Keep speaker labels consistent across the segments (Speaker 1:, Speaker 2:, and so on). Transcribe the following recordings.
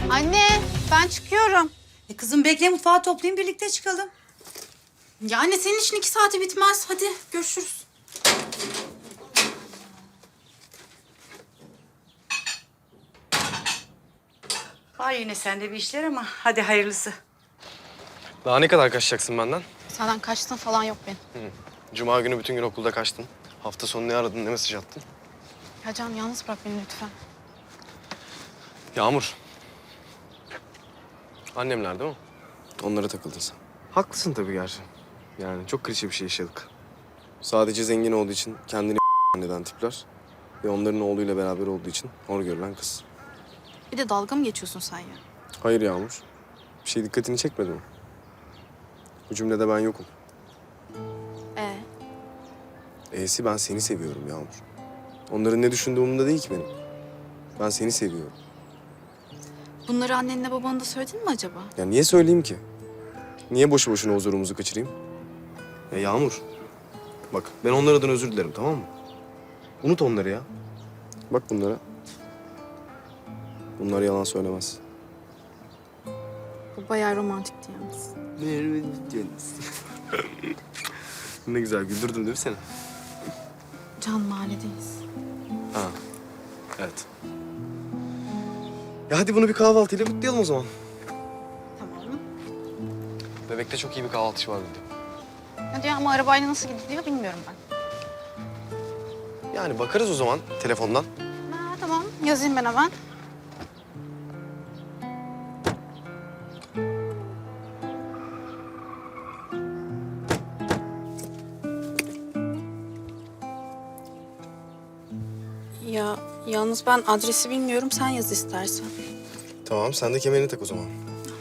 Speaker 1: Anne, ben çıkıyorum.
Speaker 2: Kızım bekle, mutfağı toplayayım, birlikte çıkalım.
Speaker 1: Ya anne, senin için 2 saati bitmez. Hadi görüşürüz.
Speaker 2: Var yine sende bir işler ama hadi hayırlısı.
Speaker 3: Daha ne kadar kaçacaksın benden?
Speaker 1: Senden kaçtın falan yok benim.
Speaker 3: Cuma günü bütün gün okulda kaçtın. Hafta sonu ne aradın, ne mesaj attın?
Speaker 1: Ya Can, yalnız bırak beni lütfen.
Speaker 3: Yağmur. Annemler değil mi? Onlara takıldın sen. Haklısın tabii gerçi. Yani çok klişe bir şey yaşadık. Sadece zengin olduğu için kendini neden tipler. Ve onların oğluyla beraber olduğu için hor görülen kız.
Speaker 1: Bir de dalga mı geçiyorsun sen ya?
Speaker 3: Hayır Yağmur. Bir şey dikkatini çekmedi mi? Bu cümlede ben yokum. E'si ben seni seviyorum Yağmur. Onların ne düşündüğü umurumda değil ki benim. Ben seni seviyorum.
Speaker 1: Bunları annenle babana da söyledin mi acaba?
Speaker 3: Ya niye söyleyeyim ki? Niye boşu boşuna huzurumuzu kaçırayım? Ya Yağmur, bak ben onlar adına özür dilerim, tamam mı? Unut onları ya. Bak bunlara. Bunlar yalan söylemez.
Speaker 1: Bu bayağı romantikti yalnız.
Speaker 3: Ne güzel güldürdüm değil mi seni?
Speaker 1: Can, mahalledeyiz.
Speaker 3: Ha, evet. Ya hadi bunu bir kahvaltıyla kutlayalım o zaman.
Speaker 1: Tamam.
Speaker 3: Bebekte çok iyi bir kahvaltıcı var dedi.
Speaker 1: Hadi ya, ama arabayla nasıl gidiliyor bilmiyorum ben.
Speaker 3: Yani bakarız o zaman telefondan.
Speaker 1: Ha, tamam, yazayım ben hemen. Ya yalnız ben adresi bilmiyorum, sen yaz istersen.
Speaker 3: Tamam, sen de kemerini tak o zaman.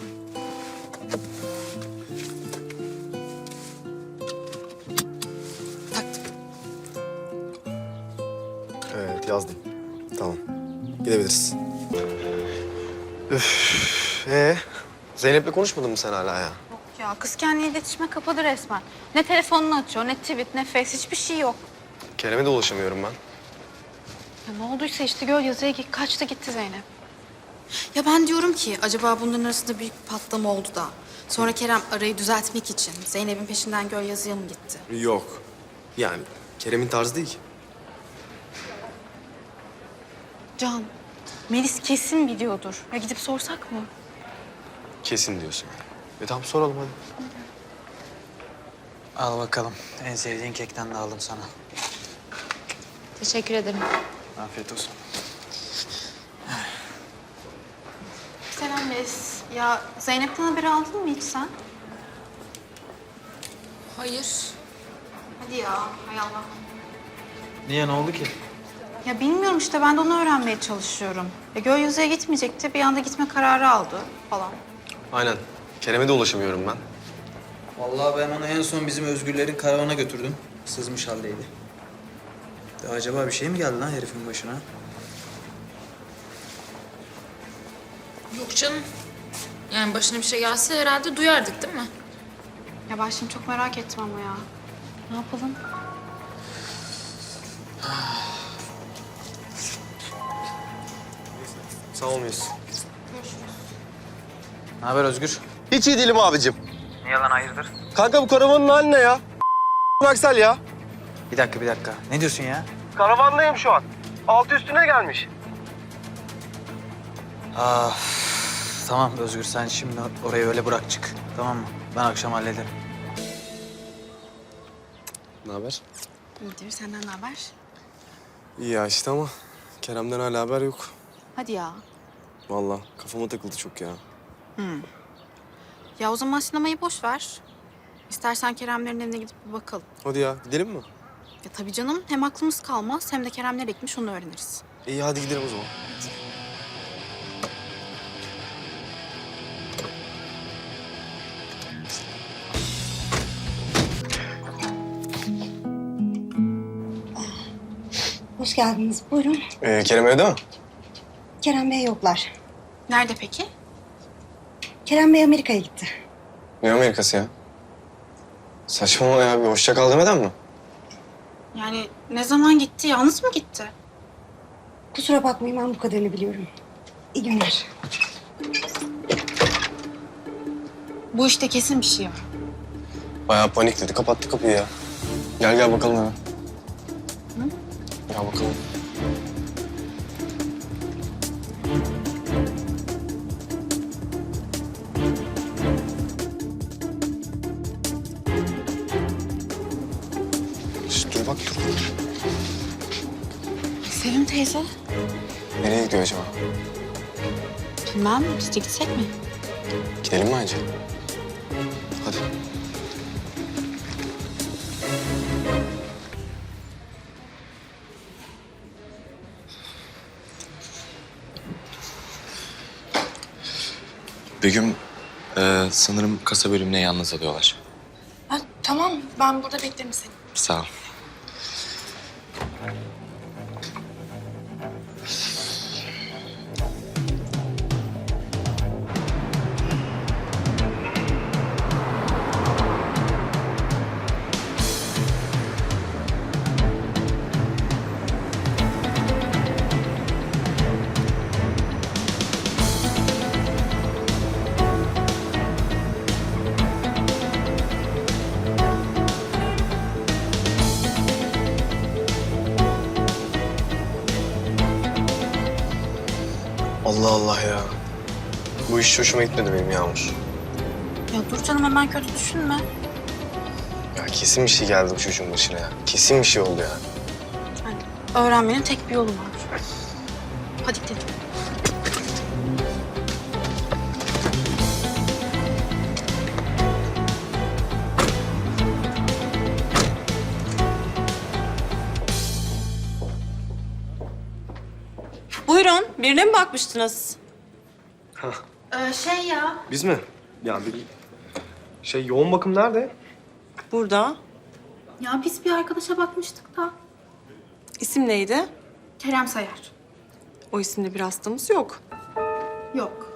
Speaker 1: Taktım.
Speaker 3: Evet, yazdım. Tamam. Gidebiliriz. Üf. Zeynep'le konuşmadın mı sen hala ya?
Speaker 1: Yok ya, kız kendini iletişime kapadı resmen. Ne telefonunu açıyor, ne tweet, ne face, hiçbir şey yok.
Speaker 3: Kerem'e de ulaşamıyorum ben.
Speaker 1: Ya ne olduysa işte göl yazıya kaçtı gitti Zeynep. Ya ben diyorum ki acaba bunların arasında büyük bir patlama oldu da sonra Kerem arayı düzeltmek için Zeynep'in peşinden göl yazıya mı gitti?
Speaker 3: Yok. Yani Kerem'in tarzı değil ki.
Speaker 1: Can, Melis kesin biliyordur. Ya gidip sorsak mı?
Speaker 3: Kesin diyorsun yani. Tamam soralım hadi.
Speaker 4: Al bakalım. En sevdiğin kekten de aldım sana.
Speaker 1: Teşekkür ederim.
Speaker 4: Afiyet olsun.
Speaker 1: Selam Melis. Ya Zeynep'ten haberi aldın mı hiç sen?
Speaker 5: Hayır.
Speaker 1: Hadi ya, hay Allah.
Speaker 4: Niye, ne oldu ki?
Speaker 1: Ya bilmiyorum işte, ben de onu öğrenmeye çalışıyorum. Ya göl yazıya gitmeyecekti, bir anda gitme kararı aldı falan.
Speaker 3: Aynen. Kerem'e de ulaşamıyorum ben.
Speaker 4: Vallahi ben onu en son bizim Özgürlerin karavana götürdüm. Sızmış haldeydi. De acaba bir şey mi geldi lan herifin başına?
Speaker 5: Yok canım. Yani başına bir şey gelse herhalde duyardık değil mi?
Speaker 1: Ya ben şimdi çok merak ettim ama ya. Ne yapalım?
Speaker 3: Sağ ol muyuz?
Speaker 4: Ne haber Özgür?
Speaker 3: Hiç iyi değilim abicim.
Speaker 4: Niye lan, hayırdır?
Speaker 3: Kanka bu karavanın hali ne ya? Aksel ya.
Speaker 4: Bir dakika. Ne diyorsun ya?
Speaker 3: Karavandayım şu an. Altı üstüne gelmiş.
Speaker 4: Ah, tamam Özgür, sen şimdi orayı öyle bırak çık. Tamam mı? Ben akşam hallederim.
Speaker 3: Ne haber?
Speaker 1: İyidir, senden ne haber?
Speaker 3: İyi ya işte ama Kerem'den hala haber yok.
Speaker 1: Hadi ya.
Speaker 3: Vallahi kafama takıldı çok ya.
Speaker 1: Ya o zaman sinemayı boş ver. İstersen Keremlerin evine gidip bir bakalım.
Speaker 3: Hadi ya gidelim mi?
Speaker 1: Ya tabii canım, hem aklımız kalmaz hem de Kerem nereye gitmiş onu öğreniriz.
Speaker 3: İyi hadi gidelim o zaman.
Speaker 6: Hoş geldiniz. Buyurun.
Speaker 3: Kerem evde mi?
Speaker 6: Kerem Bey yoklar.
Speaker 1: Nerede peki?
Speaker 6: Kerem Bey Amerika'ya gitti.
Speaker 3: Ne Amerikası ya? Saçmalama ya, bir hoşça kal demeden mi?
Speaker 1: Yani ne zaman gitti? Yalnız mı gitti?
Speaker 6: Kusura bakmayın, ben bu kadarını biliyorum. İyi günler.
Speaker 1: Bu işte kesin bir şey var.
Speaker 3: Bayağı panikledi. Kapattı kapıyı ya. Gel bakalım hemen. Gel bakalım. Şişt, dur bak dur.
Speaker 1: Sevim teyze.
Speaker 3: Nereye gidiyor acaba?
Speaker 1: Bilmem, biz de gitsek mi?
Speaker 3: Gidelim mi acı? Hadi.
Speaker 7: Begüm, sanırım kasa bölümüne yalnız alıyorlar.
Speaker 1: Ha, tamam, ben burada beklerim seni.
Speaker 7: Sağ ol.
Speaker 3: Allah Allah ya. Bu iş hoşuma gitmedi benim Yağmur.
Speaker 1: Ya dur canım, hemen kötü düşünme.
Speaker 3: Ya kesin bir şey geldi bu çocuğun başına ya. Kesin bir şey oldu ya.
Speaker 1: Yani öğrenmenin tek bir yolu var. Hadi gidelim.
Speaker 8: Buyurun, birine mi bakmıştınız?
Speaker 1: Şey ya.
Speaker 3: Biz mi? Ya bir yoğun bakım nerede?
Speaker 8: Burada.
Speaker 1: Ya biz bir arkadaşa bakmıştık da.
Speaker 8: İsim neydi?
Speaker 1: Kerem Sayar.
Speaker 8: O isimde bir hastamız yok.
Speaker 1: Yok.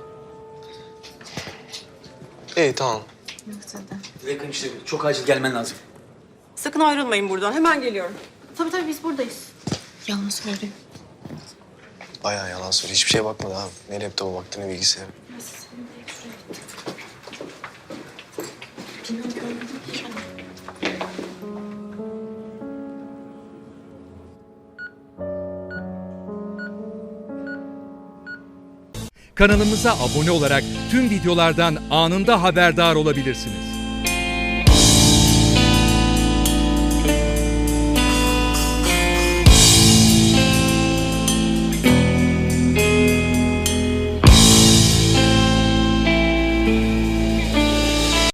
Speaker 3: İyi tamam.
Speaker 9: Yakın işte çok acil gelmen lazım.
Speaker 8: Sakın ayrılmayın buradan, hemen geliyorum.
Speaker 1: Tabii biz buradayız. Yalan söylüyor.
Speaker 3: Bayağı yalan söylüyor. Hiçbir şeye bakmadı abi. Ne laptopa baktı ne bilgisayara.
Speaker 10: Kanalımıza abone olarak tüm videolardan anında haberdar olabilirsiniz.